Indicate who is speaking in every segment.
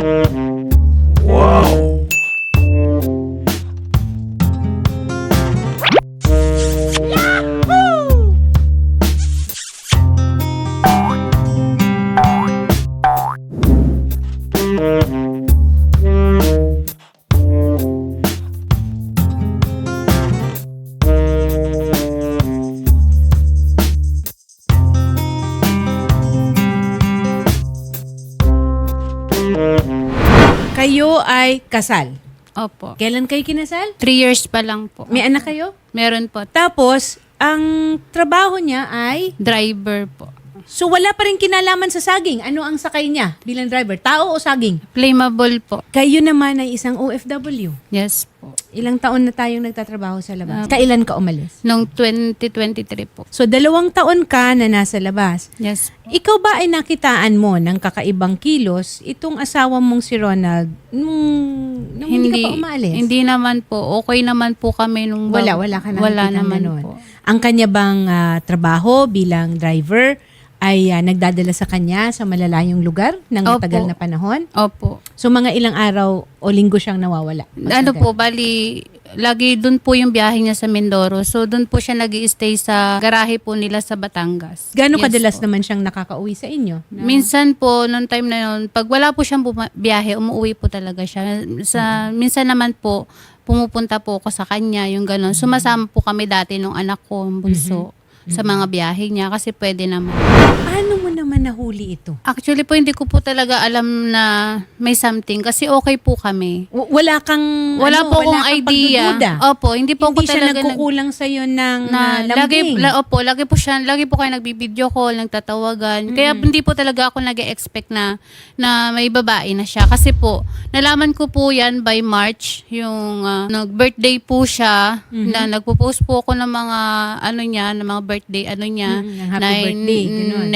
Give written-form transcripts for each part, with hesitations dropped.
Speaker 1: Wow!
Speaker 2: Kayo ay kasal.
Speaker 3: Opo.
Speaker 2: Kailan kayo kinasal?
Speaker 3: 3 years pa lang po.
Speaker 2: May anak kayo?
Speaker 3: Meron po.
Speaker 2: Tapos, ang trabaho niya ay...
Speaker 3: Driver po.
Speaker 2: So, wala pa rin kinalaman sa saging. Ano ang sakay niya bilang driver? Tao o saging?
Speaker 3: Flammable po.
Speaker 2: Kayo naman ay isang OFW.
Speaker 3: Yes po.
Speaker 2: Ilang taon na tayong nagtatrabaho sa labas? Kailan ka umalis?
Speaker 3: Noong 2023 po.
Speaker 2: So, 2 taon ka na nasa labas.
Speaker 3: Yes po.
Speaker 2: Ikaw ba ay nakitaan mo ng kakaibang kilos itong asawa mong si Ronald nung hindi ka pa umalis?
Speaker 3: Hindi naman po. Okay naman po kami nung...
Speaker 2: Wala ka na
Speaker 3: Wala
Speaker 2: nakitang
Speaker 3: naman
Speaker 2: ganun.
Speaker 3: po.
Speaker 2: Ang kanya bang trabaho bilang driver ay nagdadala sa kanya sa malalayong lugar ng
Speaker 3: Opo.
Speaker 2: matagal na panahon?
Speaker 3: Opo.
Speaker 2: So mga ilang araw o linggo siyang nawawala?
Speaker 3: Ano po, bali, lagi doon po yung biyahe niya sa Mindoro. So doon po siya nag-i-stay sa garahe po nila sa Batangas.
Speaker 2: Gano'ng
Speaker 3: Yes
Speaker 2: kadalas
Speaker 3: po.
Speaker 2: naman siyang nakakauwi sa inyo?
Speaker 3: Minsan po, noong time na yun, pag wala po siyang biyahe, umuwi po talaga siya. Minsan naman po, pumupunta po ako sa kanya, yung gano'n. Sumasama po kami dati nung anak ko, ang bunso, sa mga biyahe niya kasi pwede naman.
Speaker 2: Paano mo naman nahuli ito?
Speaker 3: Actually po, hindi ko po talaga alam na may something kasi okay po kami.
Speaker 2: Wala kang
Speaker 3: Wala po akong
Speaker 2: kang
Speaker 3: idea.
Speaker 2: pagdududa?
Speaker 3: Opo, hindi po
Speaker 2: Hindi
Speaker 3: ako
Speaker 2: siya
Speaker 3: talaga
Speaker 2: nagkukulang sa'yo ng
Speaker 3: lagi
Speaker 2: lambing?
Speaker 3: lagi po kayo nagbibideo call, nagtatawagan. Kaya hindi po talaga ako nag-expect na may babae na siya kasi po nalaman ko po 'yan by March, yung nag-birthday po siya na nagpo-post po ako ng mga ng mga birthday niya
Speaker 2: ng happy birthday, ganun.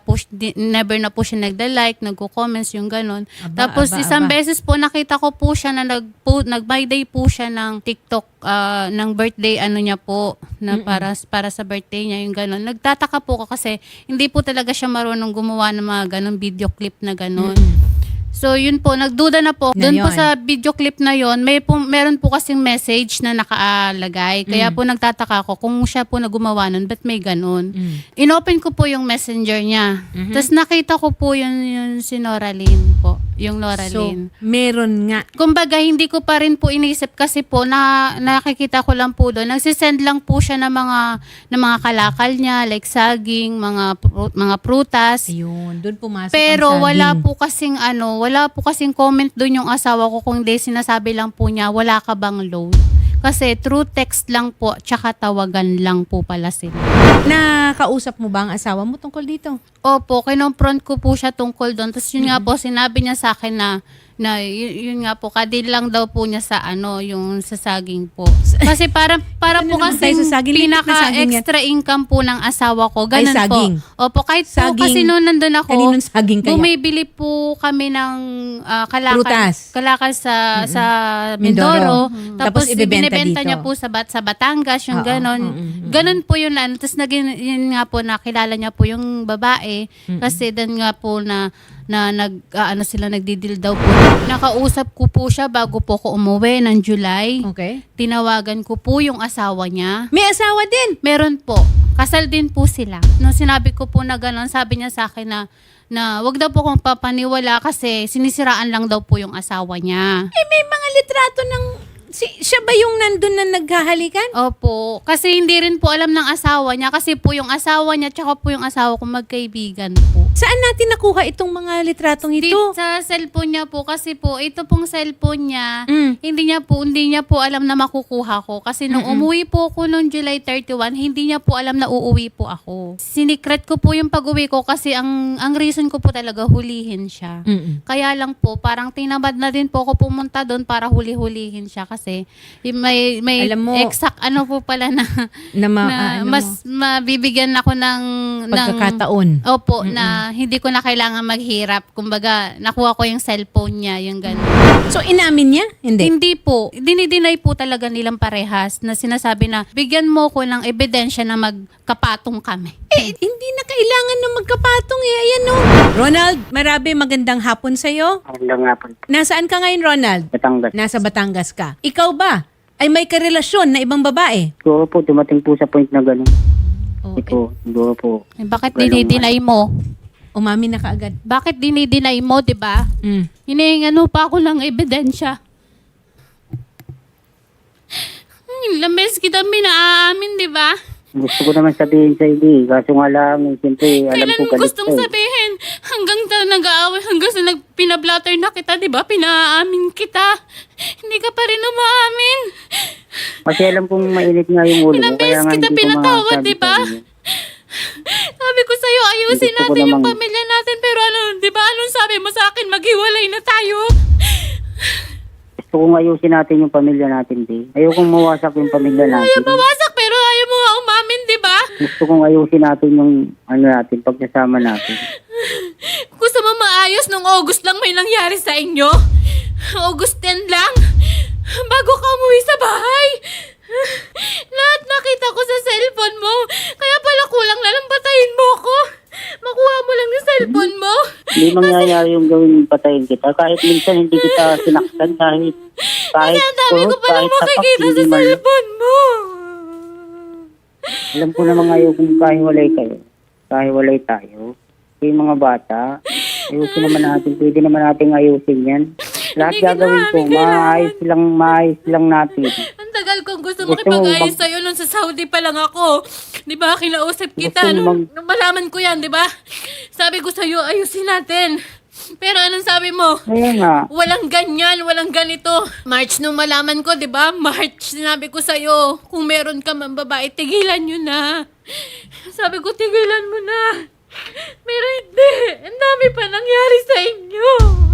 Speaker 3: never na po siya nagda-like, nagko-comments yung ganun.
Speaker 2: Aba,
Speaker 3: Tapos
Speaker 2: aba,
Speaker 3: isang
Speaker 2: aba.
Speaker 3: beses po nakita ko po siya na nag-my day po siya ng TikTok ng birthday niya po na para sa birthday niya yung ganun. Nagtataka po ako kasi hindi po talaga siya marunong gumawa ng mga ganun video clip na ganun. So yun po, nagduda na po.
Speaker 2: Na
Speaker 3: Doon po
Speaker 2: yun.
Speaker 3: sa video clip na yon, meron po kasing message na nakaalagay. Kaya po nagtataka ako kung siya po na gumawa nun, ba't may ganun? Inopen ko po yung messenger niya. Tapos nakita ko po yung si Noraline po. Yung
Speaker 2: So,
Speaker 3: Noraline.
Speaker 2: meron nga.
Speaker 3: Kumbaga, hindi ko pa rin po inisip kasi po nakikita ko lang po doon. Nagsisend lang po siya ng mga kalakal niya, like saging, mga prutas.
Speaker 2: Ayun, doon pumasok
Speaker 3: Pero
Speaker 2: ang saging.
Speaker 3: wala po kasing comment doon yung asawa ko kung di sinasabi lang po niya, wala ka bang load? Kasi through text lang po, tsaka tawagan lang po pala sila.
Speaker 2: Nakausap mo ba ang asawa mo tungkol dito?
Speaker 3: Opo, kinonfront ko po siya tungkol doon. Tapos yun nga po, sinabi niya sa akin na yun nga po, kadil lang daw po niya sa yung sa saging po. Kasi para
Speaker 2: Ano
Speaker 3: po
Speaker 2: naman
Speaker 3: kasi
Speaker 2: tayo sa saging? Litik na saging yan.
Speaker 3: pinaka-extra income po ng asawa ko.
Speaker 2: Ay,
Speaker 3: Ganun po.
Speaker 2: saging.
Speaker 3: Opo, kahit
Speaker 2: Saging.
Speaker 3: po kasi noon nandun ako,
Speaker 2: Kaninong saging kaya?
Speaker 3: bumibili po kami ng
Speaker 2: Prutas.
Speaker 3: kalakal sa
Speaker 2: Mindoro.
Speaker 3: Mindoro.
Speaker 2: Tapos
Speaker 3: Tapos
Speaker 2: ibebenta
Speaker 3: ibinebenta
Speaker 2: dito.
Speaker 3: niya po sa Batangas, yung
Speaker 2: Oo,
Speaker 3: ganon. Ganon po yun. Tapos yun nga po, nakilala niya po yung babae. Kasi doon nga po na nagdidil daw po. Nakausap ko po siya bago po ko umuwi ng July.
Speaker 2: Okay.
Speaker 3: Tinawagan ko po yung asawa niya.
Speaker 2: May asawa din.
Speaker 3: Meron po. Kasal din po sila. Nung sinabi ko po na gano'n, sabi niya sa akin na wag daw po kong papaniwala kasi sinisiraan lang daw po yung asawa niya.
Speaker 2: May mga litrato ng... siya ba yung nandun na naghahalikan?
Speaker 3: Opo. Kasi hindi rin po alam ng asawa niya kasi po yung asawa niya tsaka po yung asawa ko magkaibigan po.
Speaker 2: Saan natin nakuha itong mga litratong ito?
Speaker 3: Sa cellphone niya po kasi po ito pong cellphone niya
Speaker 2: Mm.
Speaker 3: hindi niya po alam na makukuha ko kasi nung umuwi po ako noong July 31 hindi niya po alam na uuwi po ako. Sinikret ko po yung pag-uwi ko kasi ang reason ko po talaga hulihin siya.
Speaker 2: Mm-mm.
Speaker 3: Kaya lang po parang tinamad na din po ako pumunta doon para huli-hulihin siya kasi may
Speaker 2: Alam mo,
Speaker 3: exact ano po pala na,
Speaker 2: na,
Speaker 3: na
Speaker 2: ano
Speaker 3: mas mabibigyan ako ng
Speaker 2: pagkakataon.
Speaker 3: Opo, na hindi ko na kailangan maghirap. Kumbaga, nakuha ko yung cellphone niya, yung gano'n.
Speaker 2: So, inamin niya? Hindi.
Speaker 3: Hindi po. Dinideny po talaga nilang parehas na sinasabi na bigyan mo ko ng ebidensya na magkapatong kami.
Speaker 2: Hindi na kailangan na magkapatong eh. Ayan no. Ronald, Marabe, magandang hapon sa'yo.
Speaker 1: Magandang hapon.
Speaker 2: Nasaan ka ngayon, Ronald?
Speaker 1: Batangas.
Speaker 2: Nasa Batangas ka. Ikaw ba? Ay may karelasyon na ibang babae?
Speaker 1: Siguro po, dumating po sa point na gano'n.
Speaker 2: Oh,
Speaker 1: Siguro po.
Speaker 3: Bakit dinideny mo?
Speaker 2: umamin na kaagad.
Speaker 3: Bakit dinideny mo, di ba? Hinihingan mo pa ako ng ebidensya. Ilang beses kita minaamin, di ba?
Speaker 1: Gusto ko naman sabihin sa iyo, kaso nga lang, siyempre, alam
Speaker 3: Kailan
Speaker 1: ko
Speaker 3: mo
Speaker 1: galit
Speaker 3: gustong
Speaker 1: ka eh.
Speaker 3: sabihin? Hanggang nag-aaway, hanggang sa pinablatter na kita, di ba? Pinaamin kita. Hindi ka pa rin umaamin.
Speaker 1: Kasi alam kong mainit nga yung ulo
Speaker 3: Ilang
Speaker 1: mo, kaya
Speaker 3: beses
Speaker 1: nga
Speaker 3: kita
Speaker 1: hindi ko
Speaker 3: pinatawad,
Speaker 1: masabi
Speaker 3: di ba?
Speaker 1: sa iyo.
Speaker 3: Sabi ko sa'yo, ayusin
Speaker 1: Gusto ko
Speaker 3: natin yung
Speaker 1: namang-
Speaker 3: pamilya natin. Pero ano, di ba? Anong sabi mo sa akin? Maghiwalay na tayo.
Speaker 1: Gusto kong ayusin natin yung pamilya natin, di. Ayokong mawasak yung pamilya
Speaker 3: Ayaw
Speaker 1: natin.
Speaker 3: mawasak, pero ayaw mo nga umamin, di ba?
Speaker 1: Gusto kong ayusin natin yung, ano natin, pagsasama natin.
Speaker 3: Gusto mo maayos nung August lang may nangyari sa inyo? August 10 lang? Bago ka umuwi sa bahay? Lahat nakita ko sa cellphone mo. Kaya pala kulang na lang patayin mo ko. Makuha mo lang yung cellphone mo.
Speaker 1: Hindi mangyayari yung gawin patayin kita. Kahit minsan hindi kita sinaktan, kahit
Speaker 3: Kasi ang dami ko
Speaker 1: kurot,
Speaker 3: palang
Speaker 1: tapak,
Speaker 3: makikita
Speaker 1: hindi
Speaker 3: sa
Speaker 1: man.
Speaker 3: cellphone mo.
Speaker 1: Alam ko naman ngayon kung kahiwalay kayo. Kahiwalay tayo. Yung mga bata, ayusin naman natin. Pwede naman natin ayusin yan. Lahat
Speaker 3: Hindi ka
Speaker 1: gagawin ko,
Speaker 3: namin
Speaker 1: maayos lang natin.
Speaker 3: Ang tagal kong gusto
Speaker 1: Gusto
Speaker 3: makipag-ayos
Speaker 1: mo
Speaker 3: sa'yo nung sa Saudi pa lang ako. Di ba? Kinausap kita
Speaker 1: Gusto mo
Speaker 3: nung malaman ko yan, di ba? Sabi ko sa'yo, ayusin natin. Pero anong sabi mo?
Speaker 1: Kaya nga,
Speaker 3: Walang ganyan, walang ganito. March nung malaman ko, di ba? March, sinabi ko sa'yo, kung meron ka man babae, tigilan nyo na. Sabi ko, tigilan mo na. Pero hindi. Ang dami pa nangyari sa inyo.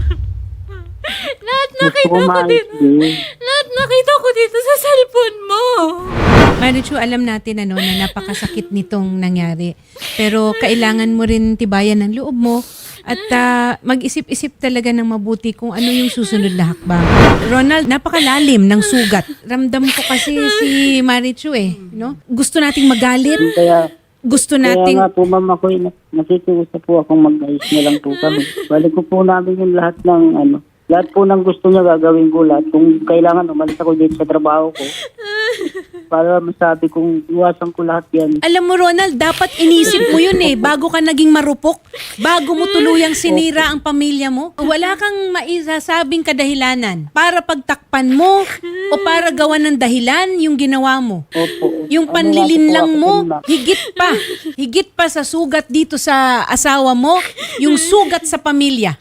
Speaker 3: Lahat
Speaker 1: gusto
Speaker 3: nakita
Speaker 1: ko
Speaker 3: ko
Speaker 1: maayos
Speaker 3: dito.
Speaker 1: din.
Speaker 3: Lahat nakita ko dito sa cellphone mo.
Speaker 2: Marichu, alam natin na napakasakit nitong nangyari. Pero kailangan mo rin tibayan ng loob mo at mag-isip-isip talaga ng mabuti kung ano yung susunod na hakbang. Ronald, napakalalim ng sugat. Ramdam ko kasi si Marichu no? Gusto nating magalit. Gusto
Speaker 1: Kaya
Speaker 2: nating
Speaker 1: nga po, ma'am, ako nakikiusap po akong mag-ayos na lang po kami. Balik ko po namin yung lahat ng lahat po ng gusto niya gagawin ko lahat. Kung kailangan umalis ako dito sa trabaho ko, para masabi kong iwasan ko lahat yan.
Speaker 2: Alam mo, Ronald, dapat inisip mo yun bago ka naging marupok, bago mo tuluyang sinira ang pamilya mo. Wala kang maisasabing kadahilanan para pagtakpan mo o para gawan ng dahilan yung ginawa mo.
Speaker 1: Opo.
Speaker 2: Yung
Speaker 1: Ano
Speaker 2: panlilinlang
Speaker 1: nga po
Speaker 2: mo,
Speaker 1: ako, ma'am?
Speaker 2: higit pa sa sugat dito sa asawa mo, yung sugat sa pamilya.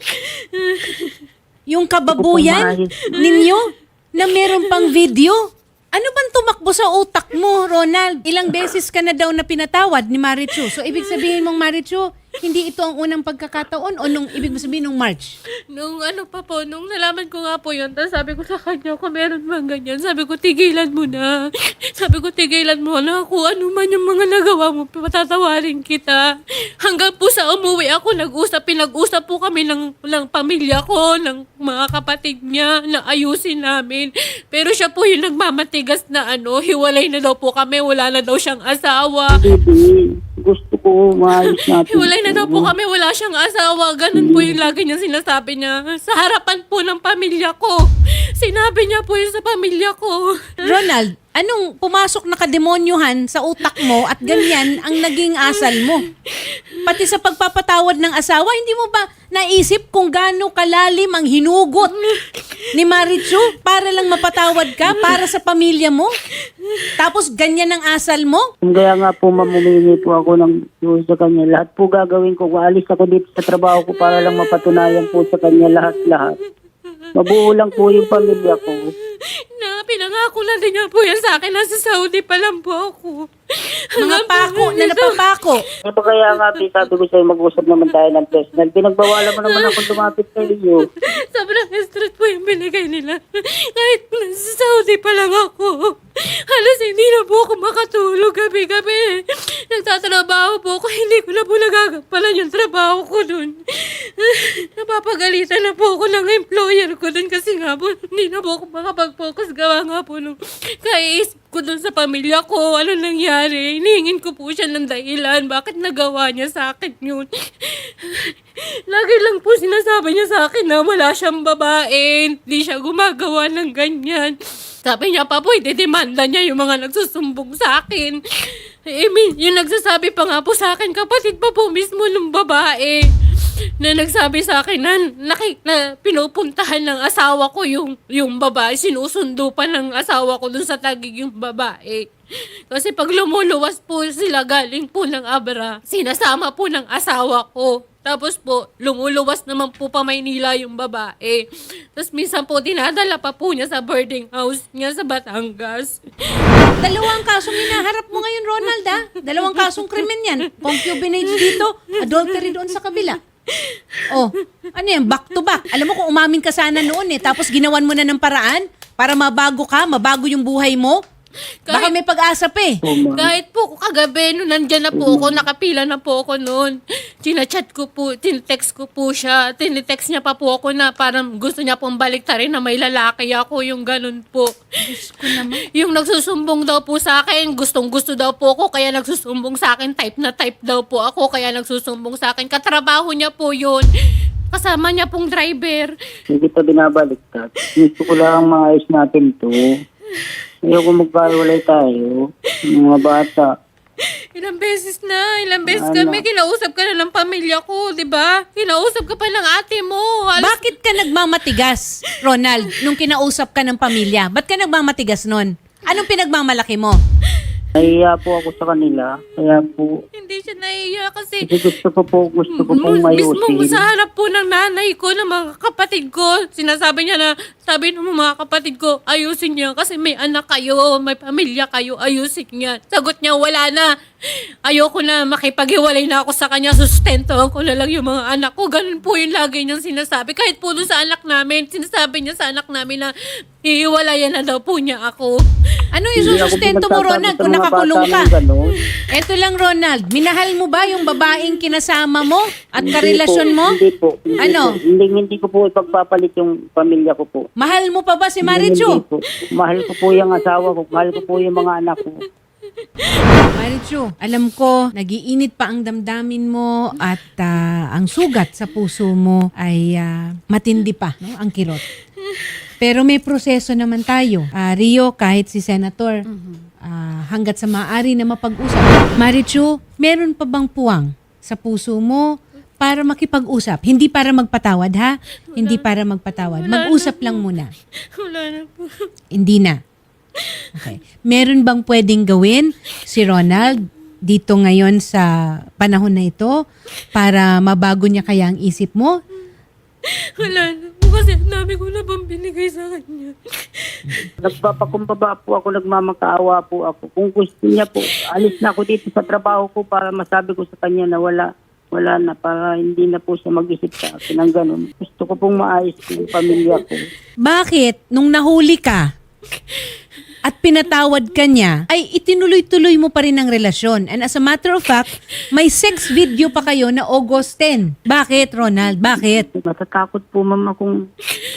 Speaker 2: Yung kababuyan ninyo na meron pang video. Ano bang tumakbo sa utak mo, Ronald? Ilang beses ka na daw na pinatawad ni Marichu. So, ibig sabihin mong, Marichu, hindi ito ang unang pagkakataon o nung ibig mo sabihin nung March?
Speaker 3: Nung ano pa po, nung nalaman ko nga po yun, tapos sabi ko sa kanya, kung meron man ganyan, sabi ko, tigilan mo na. Sabi ko, tigilan mo na. Kung ano man yung mga nagawa mo, patatawarin kita. Hanggang po sa umuwi ako, pinag-usap po kami ng pamilya ko, ng mga kapatid niya, na ayusin namin. Pero siya po yung nagmamatigas na hiwalay na daw po kami, wala na daw siyang asawa.
Speaker 1: Baby, gusto ko maayos natin.
Speaker 3: Hiwalay na daw po kami, wala siyang asawa. Ganun po yung lagi niya sinasabi niya. Sa harapan po ng pamilya ko. Sinabi niya po yun sa pamilya ko.
Speaker 2: Ronald, anong pumasok na kademonyohan sa utak mo at ganyan ang naging asal mo? Pati sa pagpapatawad ng asawa, hindi mo ba naisip kung gaano kalalim ang hinugot ni Marichu para lang mapatawad ka para sa pamilya mo? Tapos ganyan ang asal mo?
Speaker 1: Kaya nga po, ma'am, humingi po ako ng tulong sa kanya. Lahat po gagawin ko. Waalis ako dito sa trabaho ko para lang mapatunayan po sa kanya lahat-lahat. Mabuo lang po yung pamilya ko.
Speaker 3: Na pinangako na din niya po yan sa akin. Nasa Saudi pa lang po ako.
Speaker 2: Mga pako na napapako.
Speaker 1: Ano ba kaya nga, sabi ko sa'yo, mag-usap naman tayo ng personal. Pinagbawalan mo naman ako lumapit sa iyo.
Speaker 3: Sobrang stress po yung binigay nila. Kahit nasa Saudi pa lang ako. Halos hindi na po ako makatulog gabi-gabi. Nagtatrabaho po ako, hindi ko na po nagagampalan yung trabaho ko dun. Napapagalitan na po ako ng employer ko dun kasi nga po, hindi na po ako makapag-focus. Gawa nga po nung kaiisip ko dun sa pamilya ko, ano nangyari. Hinihingin ko po siya ng dahilan, bakit nagawa niya sa akin yun. Lagi lang po sinasabi niya sa akin na wala siyang babae, hindi siya gumagawa ng ganyan. Sabi niya pa po, idedemanda niya yung mga nagsusumbong sa akin. Yung nagsasabi pa nga po sa akin, kapatid pa po mismo ng babae na nagsabi sa akin na pinupuntahan ng asawa ko yung babae. Sinusundo pa ng asawa ko dun sa Taguig yung babae. Kasi pag lumuluwas po sila galing po ng Abra, sinasama po ng asawa ko. Tapos po, lumuluwas naman po pa Maynila yung babae. Tapos minsan po, dinadala pa po niya sa boarding house niya sa Batangas.
Speaker 2: Dalawang kasong hinaharap mo ngayon, Ronald, ha? Dalawang kasong krimen yan. Concubinage dito, adultery doon sa kabila. Oh, ano yan, back to back. Alam mo kung umamin ka sana noon tapos ginawan mo na ng paraan para mabago ka, mabago yung buhay mo. Baka may pag-asa pa eh.
Speaker 3: Kahit po kagabi, nung nandyan na po ako, nakapila na po ako noon. Chinachat ko po, tinetext ko po siya. Tinetext niya pa po ako na parang gusto niya pong baliktarin na may lalaki ako, yung ganun po.
Speaker 2: Diyos ko naman.
Speaker 3: Yung nagsusumbong daw po sa akin, gustong gusto daw po ako, kaya nagsusumbong sa akin, type na type daw po ako, kaya nagsusumbong sa akin. Katrabaho niya po yun. Kasama niya pong driver.
Speaker 1: Hindi kita binabaliktad. Gusto ko lang maayos natin to. Ayoko magkahiwalay tayo. Mga bata.
Speaker 3: Ilang beses kami, kinausap ka na ng pamilya ko, di ba? Kinausap ka pa ng ate mo.
Speaker 2: Bakit ka nagmamatigas, Ronald, nung kinausap ka ng pamilya? Ba't ka nagmamatigas nun? Anong pinagmamalaki mo?
Speaker 1: Nahiya po ako sa kanila. Kaya po,
Speaker 3: Hindi siya nahiya kasi
Speaker 1: gusto ko pong
Speaker 3: mismo
Speaker 1: mayusin.
Speaker 3: sa harap po ng nanay ko, ng mga kapatid ko, sinasabi niya na, sabi ng mga kapatid ko, ayusin niya kasi may anak kayo, may pamilya kayo, ayusin niya. Sagot niya, wala na. Ayoko na, makipaghiwalay na ako sa kanya, sustentohan ko na lang yung mga anak ko. Ganun po yung lagi niyang sinasabi. Kahit po dun sa anak namin, sinasabi niya sa anak namin na hihiwalayan na daw po niya ako.
Speaker 2: Ano yung
Speaker 1: Hindi ako
Speaker 2: susustento mo,
Speaker 1: pinagsasabi
Speaker 2: Ronald,
Speaker 1: sa
Speaker 2: kung
Speaker 1: mga
Speaker 2: nakakulong
Speaker 1: bata
Speaker 2: ka?
Speaker 1: ng gano'n.
Speaker 2: Eto lang, Ronald. Minahal mo ba yung babaeng kinasama mo at
Speaker 1: Hindi
Speaker 2: karelasyon
Speaker 1: po,
Speaker 2: mo?
Speaker 1: Hindi po. Hindi
Speaker 2: Ano?
Speaker 1: po. Hindi ko po ipagpapalit yung pamilya ko po.
Speaker 2: Mahal mo pa ba si
Speaker 1: Hindi
Speaker 2: Marichu?
Speaker 1: po. Mahal ko po yung asawa ko. Mahal ko po yung mga anak ko.
Speaker 2: Marichu, alam ko, nagiinit pa ang damdamin mo at ang sugat sa puso mo ay matindi pa, no? Ang kirot. Pero may proseso naman tayo. Rio, kahit si Senator, hanggat sa maaari na mapag-usap. Marichu, meron pa bang puwang sa puso mo para makipag-usap? Hindi para magpatawad, ha? Hindi para magpatawad. Mag-usap lang muna.
Speaker 3: Wala na po.
Speaker 2: Hindi na. Okay. Meron bang pwedeng gawin si Ronald dito ngayon sa panahon na ito para mabago niya kaya ang isip mo?
Speaker 3: Wala na po kasi ang dami ko na bang binigay sa kanya.
Speaker 1: Nagpapakumbaba po ako, nagmamakaawa po ako. Kung gusto niya po, alis na ako dito sa trabaho ko para masabi ko sa kanya na wala na, para hindi na po siya mag-isip sa akin ng ganun. Gusto ko pong maayos yung pamilya ko.
Speaker 2: Bakit nung nahuli ka at pinatawad ka niya, ay itinuloy-tuloy mo pa rin ang relasyon? And as a matter of fact, may sex video pa kayo na August 10. Bakit, Ronald? Bakit?
Speaker 1: Natatakot po mama kung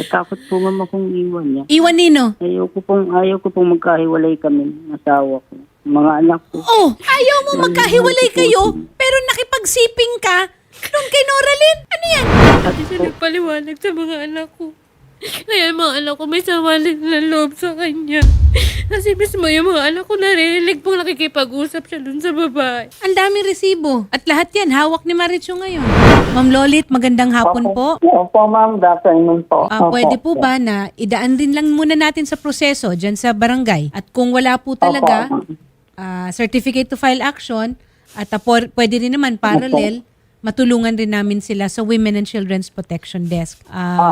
Speaker 1: iwan niya.
Speaker 2: Iwan nino?
Speaker 1: Ayaw ko pong magkahiwalay kami ng asawa ko. Mga anak ko.
Speaker 2: Oh, ayaw mo magkahiwalay kayo, pero nakipagsiping ka nung kay Noraline? Ano yan?
Speaker 3: Hindi siya nagpaliwanag sa mga anak ko. Kaya yung mga anak ko may sawalin na loob sa kanya. Kasi mismo yung mga anak ko narinig pong nakikipag-usap siya dun sa babae.
Speaker 2: Ang daming resibo. At lahat yan, hawak ni Marichu ngayon. Ma'am Lolit, magandang hapon po.
Speaker 1: Opo, ma'am. Good afternoon po.
Speaker 2: Pwede po ba na idaan din lang muna natin sa proseso dyan sa barangay? At kung wala po talaga, certificate to file action, at pwede rin naman parallel, matulungan rin namin sila sa Women and Children's Protection Desk.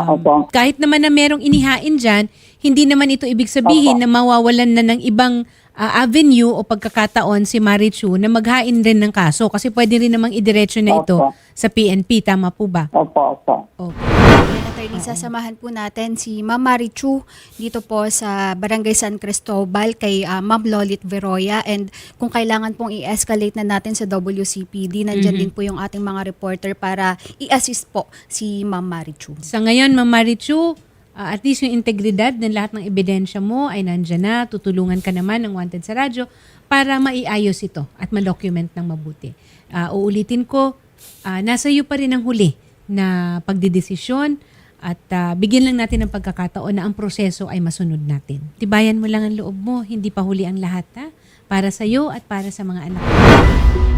Speaker 2: Kahit naman na merong inihain dyan, hindi naman ito ibig sabihin na mawawalan na ng ibang avenue o pagkakataon si Marichu na maghain rin ng kaso kasi pwede rin namang idiretso na ito
Speaker 1: Opo.
Speaker 2: sa PNP. Tama po ba?
Speaker 1: Opo, opo.
Speaker 2: Okay.
Speaker 4: Attorney, sasamahan po natin si Ma'am Marichu dito po sa Barangay San Cristobal kay Ma'am Lolit Veroya, and kung kailangan pong i-escalate na natin sa WCPD, nandyan din po yung ating mga reporter para i-assist po si Ma'am Marichu.
Speaker 2: Sa ngayon, Ma'am Marichu, at least yung integridad ng lahat ng ebidensya mo ay nandyan na. Tutulungan ka naman ng Wanted sa Radyo para maiayos ito at ma-document ng mabuti. Uulitin ko, nasa iyo pa rin ang huli na pagdidesisyon at bigyan lang natin ng pagkakataon na ang proseso ay masunod natin. Tibayan mo lang ang loob mo, hindi pa huli ang lahat, ha? Para sa iyo at para sa mga anak mo.